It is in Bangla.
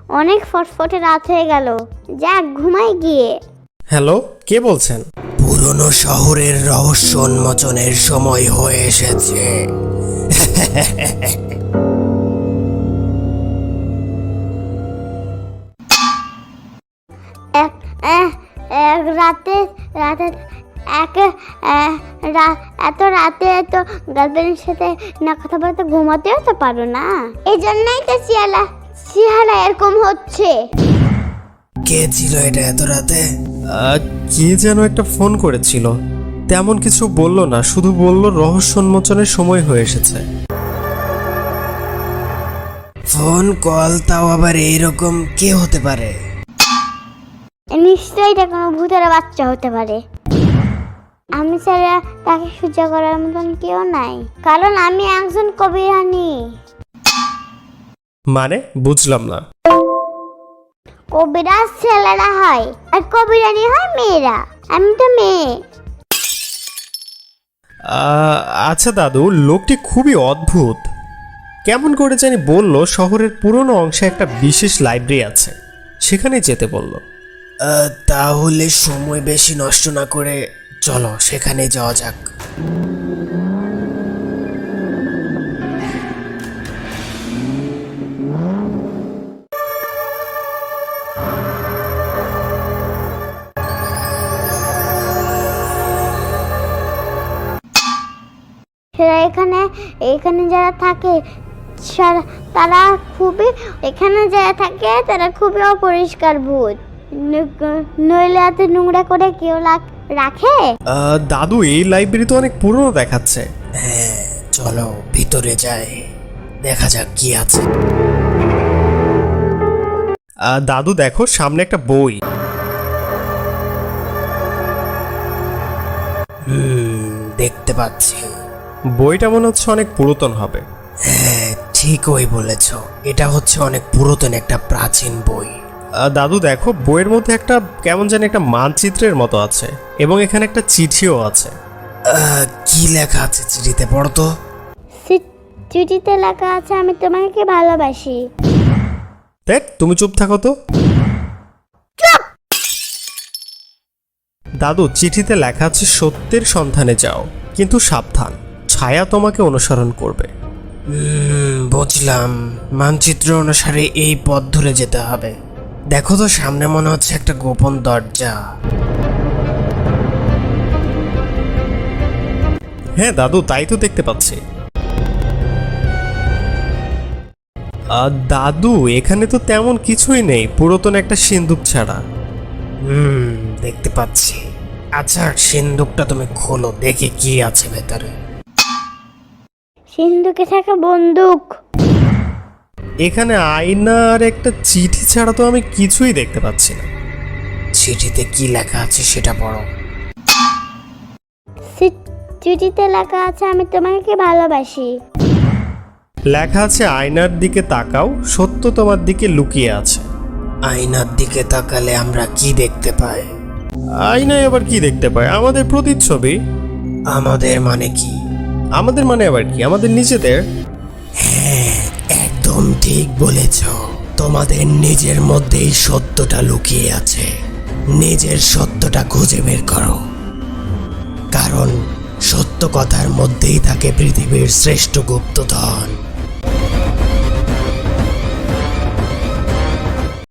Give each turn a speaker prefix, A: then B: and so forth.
A: অনেক ফটফটে রাত হয়ে গেল, যাক ঘুমাই গিয়ে।
B: হ্যালো, কে বলছেন?
C: পুরনো শহরের রহস্য উন্মোচনের সময় হয়ে এসেছে।
A: এত রাতে তো গার্লফ্রেন্ডের সাথে না কথা বলতে ঘুমাতেও তো পারো না, এই জন্যই তো চেহারা এরকম হচ্ছে।
C: কে ছিল এটা এত রাতে?
B: কে যেন একটা ফোন করেছিল, তেমন কিছু বলল না, শুধু বলল রহস্য উন্মোচনের সময় হয়ে এসেছে।
C: ফোন কল, তাও আবার এইরকম কে হতে পারে?
A: নিশ্চয়ই এটা কোনো ভূতের বাচ্চা হতে পারে। আমি ছাড়া তাকে সহ্য করার মতন কেউ নাই, কারণ আমি একজন কবিরানী।
B: মানে বুঝলাম না।
A: কবিরাজ ছেলেরা হয় আর কবিরানী হয় মেয়েরা, আমি তো মেয়ে।
B: আচ্ছা দাদু, লোকটি খুবই অদ্ভুত। কেমন করে জানি বলল শহরের পুরনো অংশে একটা বিশেষ লাইব্রেরি আছে, সেখানে যেতে বলল।
C: তাহলে সময় বেশি নষ্ট না করে চলো সেখানে যাওয়া যাক।
A: সেরা এখানে যারা থাকে তারা খুবই অপরিষ্কার ভূত। নইলে এত নোংরা করে কেউ রাখে?
B: দাদু, এই লাইব্রেরি তো অনেক পুরনো দেখাচ্ছে।
C: হ্যাঁ, চলো ভিতরে যাই, দেখা যাক কি আছে।
B: দাদু দেখো, সামনে একটা বই।
C: দেখতে পাচ্ছি।
B: বইটা মনে হচ্ছে অনেক পুরাতন হবে।
C: হ্যাঁ, ঠিকই বলেছ, এটা হচ্ছে অনেক পুরাতন একটা প্রাচীন বই।
B: দাদু দেখো, বইয়ের মধ্যে একটা কেমন জানি একটা মানচিত্রের মতো আছে, এবং এখানে একটা চিঠিও আছে।
C: কি লেখা আছে চিঠিতে? পড়ো তো।
A: চিঠিতে লেখা আছে, আমি তোমাকে ভালোবাসি।
B: দেখ, তুমি চুপ থাকো তো। দাদু, চিঠিতে লেখা আছে সত্যের সন্ধানে যাও, কিন্তু সাবধান, ছায়া তোমাকে অনুসরণ করবে।
C: বুঝলাম, মানচিত্র অনুসারে এই পথ ধরে যেতে হবে। দেখো তো, সামনে মনে হচ্ছে একটা গোপন দরজা।
B: হ্যাঁ দাদু, তাই তো দেখতে পাচ্ছি। দাদু, এখানে তো তেমন কিছুই নেই, পুরাতন একটা সিন্দুক ছাড়া।
C: দেখতে পাচ্ছি। আচ্ছা, সিন্দুকটা তুমি খোলো, দেখি কি আছে ভেতরে।
A: সিন্ধুকে থাকা বন্দুক।
B: এখানে আয়না আর একটা চিঠি ছাড়া তো আমি কিছুই দেখতে পাচ্ছি না।
C: চিঠিতে কি লেখা আছে সেটা পড়ো।
A: চিঠিতে লেখা আছে, আমি তোমাকে ভালোবাসি।
B: লেখা আছে আয়নার দিকে তাকাও, সত্য তোমার দিকে লুকিয়ে আছে।
C: আয়নার দিকে তাকালে আমরা কি দেখতে পাই?
B: আয়নায় আবার কি দেখতে পাই? আমাদের প্রতিচ্ছবি।
C: আমাদের মানে কি?
B: আমাদের মানে আবার কি? আমাদের নিজেদের।
C: হ্যাঁ, একদম ঠিক বলেছ। তোমাদের নিজের মধ্যেই সত্যটা লুকিয়ে আছে। নিজের সত্যটা খুঁজে বের করো, কারণ সত্য কথার মধ্যেই থাকে পৃথিবীর শ্রেষ্ঠ গুপ্তধন।